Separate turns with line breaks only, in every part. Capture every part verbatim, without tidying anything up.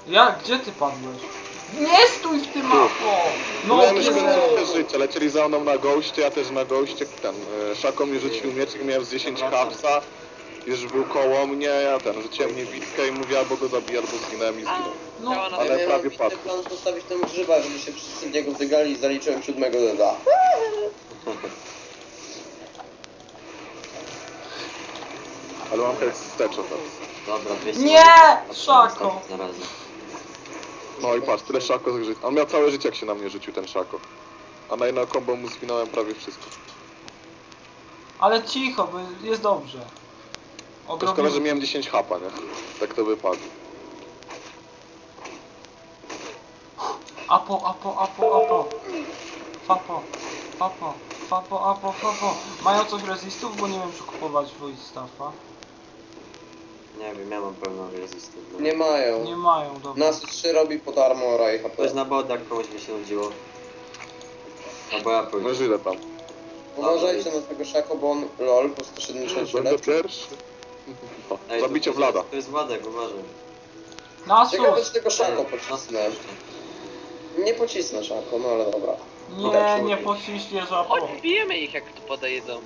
Jak? Gdzie ty padłeś? Nie stój w tym apo! No
Miałem
nie!
jeszcze życie, lecieli za mną na goście, ja też na goście, ten, e, Szako mi rzucił miecz i miałem z dziesięć hapsa, już był koło mnie, ja ten, rzuciłem niewidkę i mówię albo go zabiję, albo zginąłem i zginął.
No,
Działa na
Ale
tym.
ja
prawie
miałem
padł.
plan postawić tam grzyba, żeby się wszyscy w niego wygali i zaliczyłem siódmego deda.
Ale mam hejs wsteczo teraz.
Dobra, dwieście.
Nie!
A,
Szako!
Na razie.
No i patrz, tyle Szako zżyć. On miał całe życie jak się na mnie rzucił ten Szako. A na jedno combo mu zwinąłem prawie wszystko.
Ale cicho, bo jest dobrze.
To szkoda, że
Odrobimy.
miałem dziesięć hapa, nie? Tak to wypadło.
Apo, apo, apo, apo. Fapo, fapo, fapo, apo, fapo. Mają coś resistów, bo nie wiem czy kupować voice staffa.
Nie wiem, ja mam pełną rezystę. No.
Nie mają.
Nie mają, dobra.
Nas trzy robi pod armora i H P.
Ktoś na bodach komuś mi się nudziło. Albo ja pójdę.
No ile tam?
Uważajcie na tego Szako, bo on lol po sto siedemdziesiąt siedem
Będę
lat.
pierwszy.
Ej,
O,
to-
zabicie
to-
Vlada.
To jest Władek, uważaj.
Ciekawe,
Nasus!
czy tego Szako
Ej,
pocisnę.
nasus.
Nie pocisnę Szako, no ale dobra.
Nie, nie pociśniesz apo.
Chodź, bijemy ich jak tu podejdą.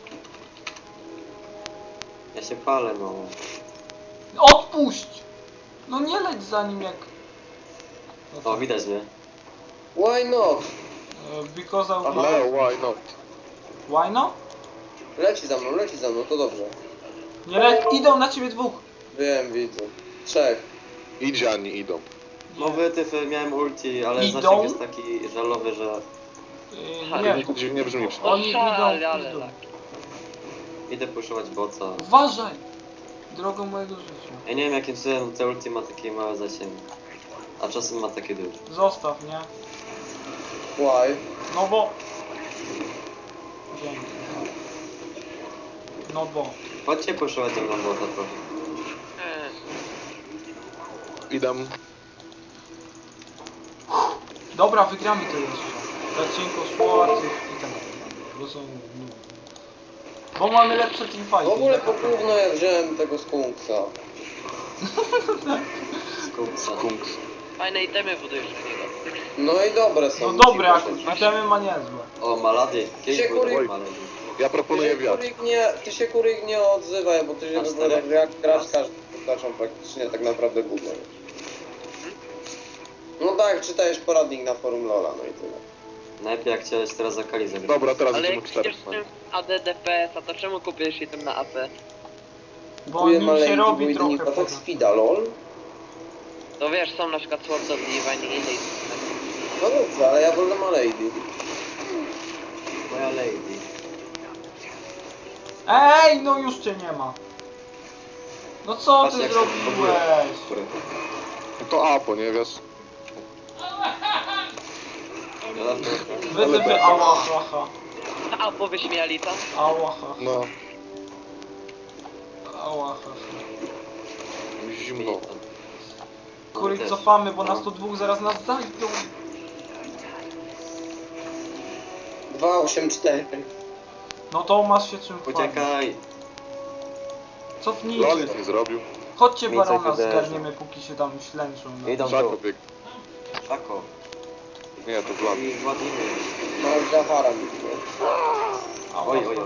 Ja się palę, no.
Odpuść! No nie leć za nim jak... No
O,
co?
widać mnie.
Why not?
E, Because I...
Ale why not?
Why no?
Leci za mną, leci za mną, to dobrze.
Nie leć, idą na ciebie dwóch.
Wiem, widzę. Trzech.
Idzie, a nie idą.
No wytyfy, miałem ulti, ale
Idą?
zasięg jest taki żalowy, że
E,
Nie.
nie,
To dziwnie brzmi.
No
Oni idą,
szale, ale
idą.
tak.
idę puszować boca.
Uważaj! Drogą mojego życia.
Ja nie wiem jakim cudem te ulti ma takie małe zasięgi. A czasem ma takie duże.
Zostaw, nie?
Why?
No bo... Dzięki. No bo...
Chodźcie puszować ze mną bota trochę.
Eee,
Idę.
Dobra, wygramy to jeszcze. Zacinko, Schwarz i tak dalej. Bo są... Bo mamy lepsze
W
teamfighty.
ogóle po gówno ja wziąłem tego skunksa.
Skupca.
Kunks.
fajne itemy budujesz w niego.
No i dobre są.
No dobre,
ci
akurat itemy ma niezłe.
O, Malady.
Się
Kiej
kury-
był Malady.
Ja
Ty
proponuję
się,
wiatr.
kurik nie, ty się kurik nie odzywaj, bo ty się
A
wygląda
czterech?
jak gracz każdy postacią praktycznie tak naprawdę gówno. No tak, czytajesz poradnik na forum Lola, no i tyle.
Najlepiej jak chciałeś teraz za Kali zagrać.
Dobra, teraz
Ale
idziemy
jak
czterech.
idziesz z tym A D D P S, a to czemu kupiłeś item na A P?
Bo
Kupuję
nim się
maleńki, bo
robi
jedynie
trochę
atak
poza.
speeda, lol.
To wiesz, są na przykład Swords of Divine i innej.
No dobrze, ale ja wolę malady.
Moja lady.
Ej, no już cię nie ma. No co
Patrz,
ty
jak się
zrobiłeś?
To Apo, nie wiesz?
Wytypy, ała, haha.
A, powyśmiali tam?
Ała, haha.
No,
Ała, haha.
zimno.
Kurik, cofamy, bo nas tu dwóch zaraz nas zajdą.
dwa osiem cztery.
No to masz się czym chwalić.
Uciekaj.
Lol
Cofnijcie.
nic nie zrobił.
Chodźcie
Nic
barona
jak wydarzy.
zgarniemy, póki się tam ślęczą. No.
Idą
Szako
tu.
biegł.
Szako.
Nie, to Vlad.
I Władimir.
No już Zahara mi było.
Ała,
Oj, oj, oj.
haha.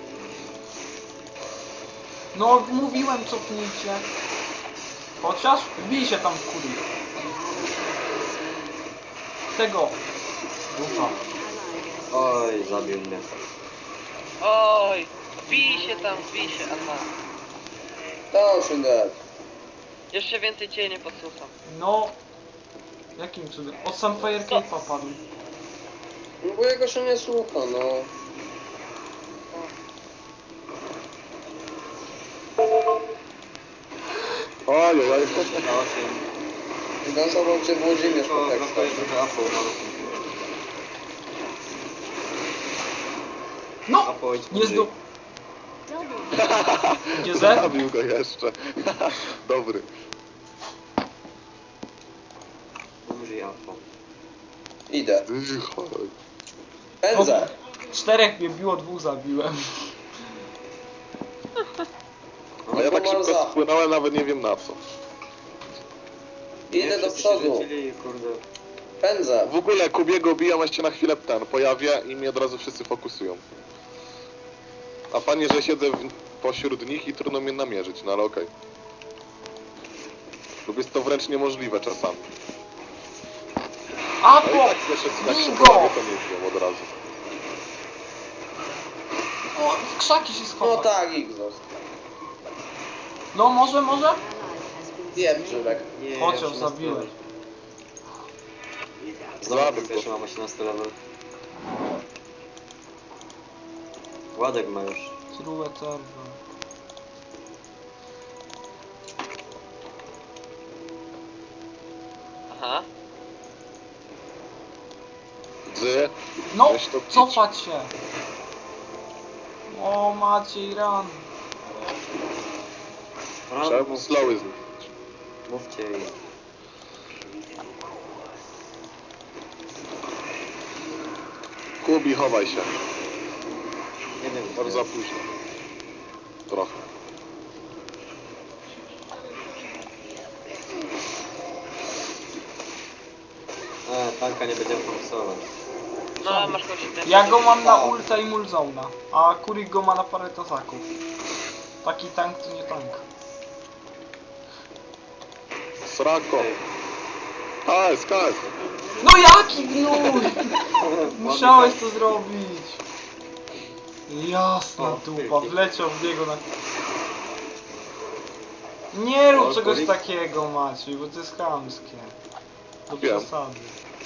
No mówiłem cofnijcie. Chociaż wbij się tam w kurik. Tego. Ufa.
Oj, zabił mnie.
Oj, bij się tam, bij się, aha.
To osiem dead.
Jeszcze więcej cię nie podsłucham.
No. Jakim cudem? Od Sunfire Cape'a padł.
No bo jego się nie słucha, no.
Oj, oj, oj.
Na osiem.
Zdansował cię Włodzimierz
Tylko
po
brakuje
tekstach.
trochę Apo.
No!
Apo, idź
Nie
bliżej.
zdo... Gdzie ze?
Zabił go jeszcze. Dobry.
Umrzyj Apo.
Idę.
Chodź.
Pędzę.
Czterech mnie biło, dwóch zabiłem.
A ja tak
Pomal
szybko
za.
spłynąłem, nawet nie wiem na co.
Idę do
wszyscy się
przodu.
rzucili, kurde.
Pędzę.
W ogóle Kubiego bijam, a się na chwilę ten pojawia i mnie od razu wszyscy fokusują. A fajnie, że siedzę w, pośród nich i trudno mnie namierzyć, no ale okej. Lub jest to wręcz niemożliwe czasami. No i
Apo!
tak jeszcze jak się
Bingo!
pojawię, to nie wiem od razu.
O, w krzaki się
No
schował.
tak, Xos.
No może, może?
Wiem, Żylek.
Nie,
Chociaż
osiemnasty
zabiłeś.
level. Znowu
Zabił
ten
go.
pierwszy mam osiemnasty level. Władek ma już.
True Eternal.
Aha.
Dzy,
No,
weź to pić.
cofać się. O, Maciej, ran.
Trzeba slowy z nich.
Mówcie jej.
Kubi, chowaj się.
Nie wiem,
Bardzo za
gdzie.
późno. Trochę.
E, tanka nie będziemy fokusować.
No, masz kogoś innego.
Ja go mam na ulta i mulzona, a Kurik go ma na parę tazaków. Taki tank to nie tank.
Srako. K S, K S.
No jaki gnój! Musiałeś to zrobić. Jasna
O,
dupa,
wielki.
wleciał w niego na... Nie rób
O,
czegoś
Kurik.
takiego, Maciej, bo to jest chamskie. Do
Wiem.
przesady.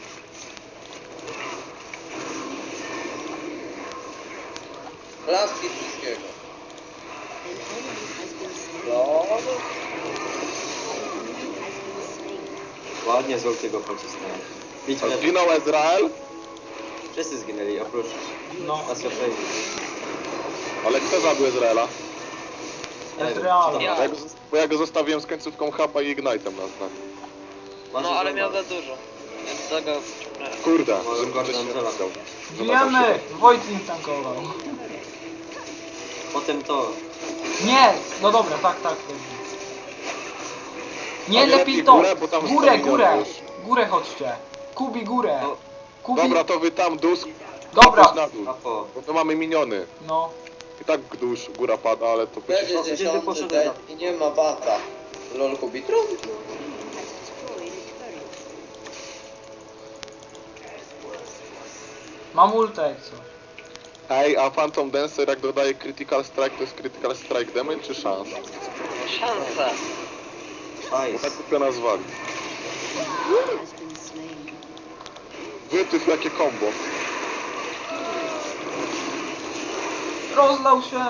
Laski wszystkiego. No,
Ładnie z ultiego pocisnąłem. Bić mnie.
Zginął Ezrael,
Wszyscy zginęli, oprócz
No,
Asjopeini.
ale kto zabił Ezraela?
Ezreala.
Ja.
Bo ja go, zos- bo ja go zostawiłem z końcówką hapa i ignite'em na znak.
No, ale miał za dużo. Więc tego wciągnąłem.
Kurde,
Może
żebym
bardzo
się nie
Angela.
chciał.
Wiemy! Wojtlin tankował.
Potem to.
Nie! No dobra, tak, tak. dobrze. Nie,
Ale
lepiej
lepiej
to!
górę, bo tam
Górę,
sto
górę!
milionów
Górę chodźcie! Kubi, górę!
No.
Kubi...
Dobra, to wy tam dusk,
Dobra.
chodź na dół.
Apo.
Bo to mamy miniony.
No.
I tak dusz, góra pada, ale to
będzie
będzie...
gdzie ty
dziesiąty
poszedłeś?
dzień i nie ma bata. Lol Kubitru?
Mam ulta jak coś.
Ej, a Phantom Dancer jak dodaje Critical Strike, to jest Critical Strike damage czy szans?
Szansa.
Bo
Hajs.
tak kupio nazwali. Wytyf jakie combo.
Rozlał się!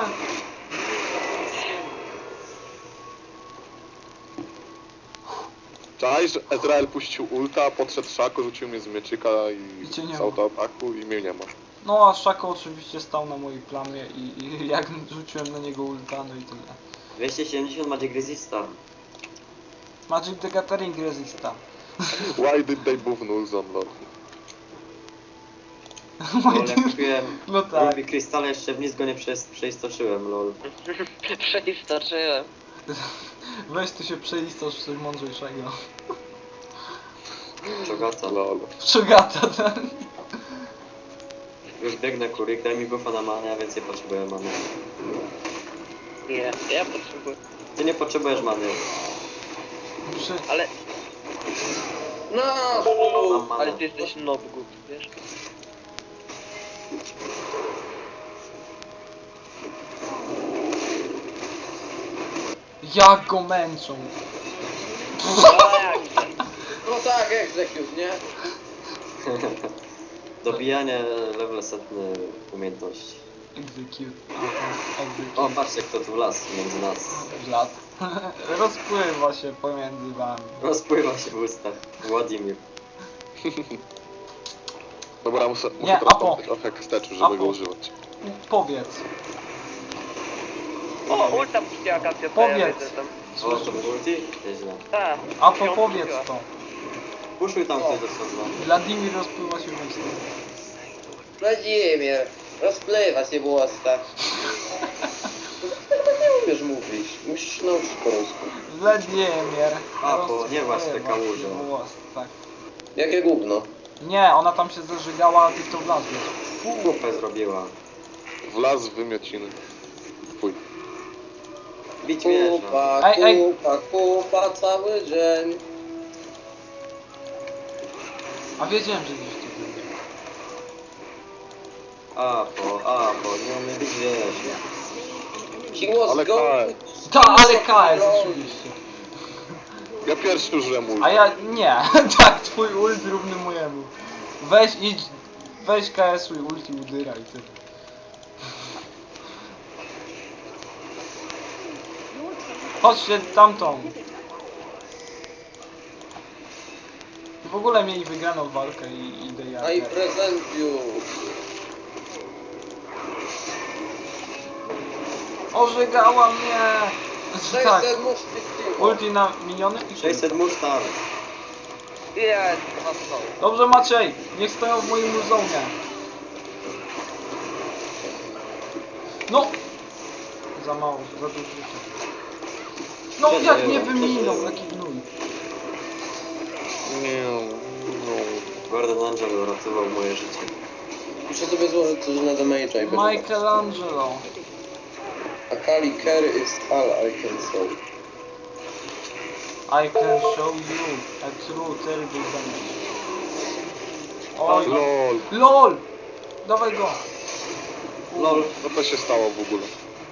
Czaj, że Ezrael puścił ulta, podszedł Szako, rzucił mnie z mieczyka i
I cię nie
z
ma.
autoataku i mnie nie ma.
No a Szako oczywiście stał na mojej plamie i, i jak rzuciłem na niego ulta, no i tyle.
dwieście siedemdziesiąt Magic Resista.
Magic the Gathering Resista.
Why did they move nulls on lord?
Lol, jak kupiłem
No tak.
Ruby Krystale, jeszcze w nic go nie prze przeistoczyłem, lol.
Przeistoczyłem.
Weź tu się przeistosz w coś mądrzejszego.
Czogata.
Lol.
Czugata ten.
Już biegnę, Kurik, daj mi buffa na manę, ja więcej potrzebuję many.
Nie, ja potrzebuję.
Ty nie potrzebujesz many.
Przy...
Ale,
No,
Mam manę.
ale ty jesteś nobgut, wiesz?
Jak go męczą.
No jak?
no tak, execute, nie?
Dobijanie level setny umiejętności.
Execute.
O,
Execute.
patrzcie kto tu las między nas.
Lat. Rozpływa się pomiędzy wami.
Rozpływa się w ustach. Władimir.
Dobra, muszę,
Nie,
muszę
Apo.
teraz trochę wsteczu, żeby
Apo.
go używać.
Powiedz.
O, ulta puściła Kasia, to ja
Powiedz.
wiedzę tam.
O, to był ulti? Nieźle.
Tak.
A to
ją
powiedz
puściła.
to.
Puszuj tam ktoś do sodła.
Wladimir rozpływa się w ustach.
Wladimir, rozpływa się w ustach. umiesz mówić. Musisz się nauczyć po polsku.
Wladimir.
A, bo nie masz
rozklewa
te kałuże.
głos, tak.
Jakie gówno?
Nie, ona tam się zażygała, a ty w to wlazłeś.
Kupę zrobiła.
Wlazł w wymiociny. Fuj.
Bić wieża.
Kupa,
Ej, ej.
kupa, kupa cały dzień.
A wiedziałem, że gdzieś tu będzie.
Apo, apo, nie umie bić wieży.
He was
Ale
going...
Ta, ale K S oczywiście.
Ja pierwszy użyłem ulti.
A ja nie, tak, twój ult równy mojemu. Weź idź, weź K S i ulti udyra i tyle. Chodźcie tamtą. W ogóle mieli wygraną walkę i idę ja.
I present you.
Ożygała mnie! Tak,
sześćset muszki
ulti na miniony i
sześćset Mustang.
Jest, na to.
Dobrze Maciej, niech stoją w moim muzonie. No! Za mało, za dużo życia. No
Co
jak
było?
mnie
Co
wyminął,
było?
jaki gnój.
Nie, no.
Gordon Angel uratował moje życie.
Muszę sobie złożyć coś na damage'a i będę...
Michelangelo.
Akali carry is all I can show.
I can show you a true terrible damage. Oj,
Lol.
LOL! Dawaj go!
Lol.
Co to się stało w ogóle?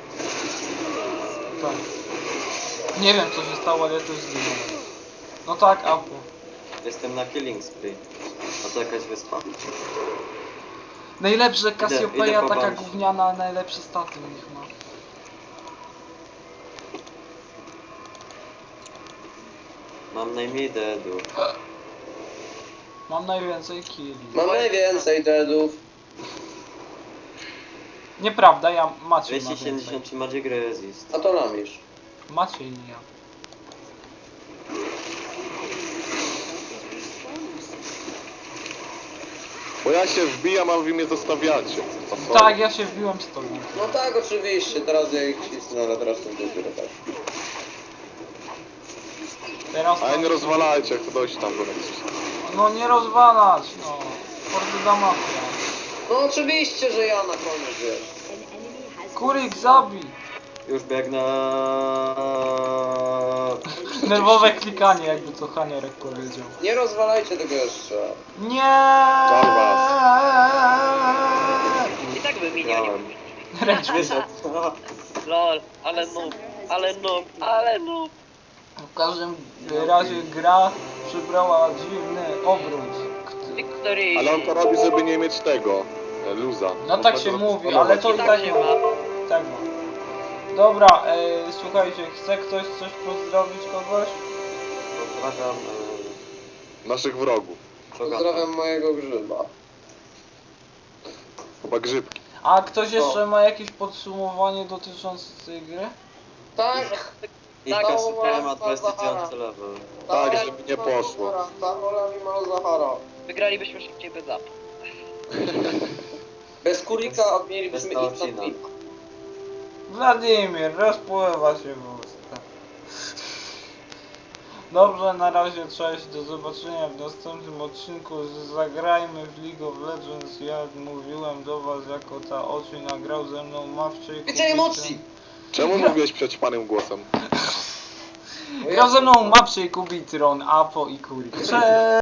Tak. Nie wiem co się stało, ale ja też zginąłem. No tak, Apu.
Jestem na killing spree. A to jakaś wyspa.
Najlepsze
idę
Cassiopeia,
po
taka
bank.
gówniana, najlepsze staty u nich ma.
Mam najmniej deadów.
Mam najwięcej killi.
Mam najwięcej deadów.
Nieprawda, ja Maciej ma
dwieście
więcej.
siedemdziesiąt trzy Magic Resist.
A to lamisz.
Maciej, nie ja.
Bo ja się wbijam, a wy mnie zostawiacie. A co?
Tak, ja się wbiłem z tobą.
No tak, oczywiście, teraz ja ich cisnę, ale teraz ten dopiero tak.
Teraz
A ja
to...
nie rozwalajcie, jak to dojść tam do nas.
No nie rozwalać, no. Fordyda mafia.
No oczywiście, że ja na koniec wiesz.
Kurik, zabij!
Już biegnę.
Nerwowe klikanie, jakby to Haniorek powiedział.
Nie rozwalajcie tego jeszcze.
Nie!
I tak by mi nie
Miałem.
Ręcz.
Wyszedł.
Lol, ale noob, ale noob, ale noob.
W każdym razie gra przybrała dziwny obrót. Kt-
Victory.
Ale on to robi, żeby nie mieć tego. e, Luza.
No tak się
Można
mówi,
go
ale to i
tak
tak
się
nie
ma.
ma. Tak ma. Dobra, e, słuchajcie, chce ktoś coś pozdrowić kogoś?
Pozdrawiam.
Naszych wrogów.
e, Czogata.
Pozdrawiam mojego grzyba.
Chyba grzybki.
A ktoś jeszcze ma jakieś podsumowanie dotyczące tej gry?
Tak,
I
Tak,
Kasper ma
Zahara.
dwudziesty level.
Tak, żeby nie poszło.
Zahola mi mal Zahara.
Wygralibyśmy szybciej bez up.
Bez kurika
Bez
mielibyśmy ich
Taocina.
na
Wladimir, rozpływa się w usta. Dobrze, na razie cześć, do zobaczenia w następnym odcinku z Zagrajmy w League of Legends. Jak mówiłem do was, jako ta oczy nagrał ze mną Mawcie i
Więcej emocji!
Czemu mówiłeś przećpanym głosem?
Grał ze mną Mapcie i Kubitron, Apo i Kurik. Cześć!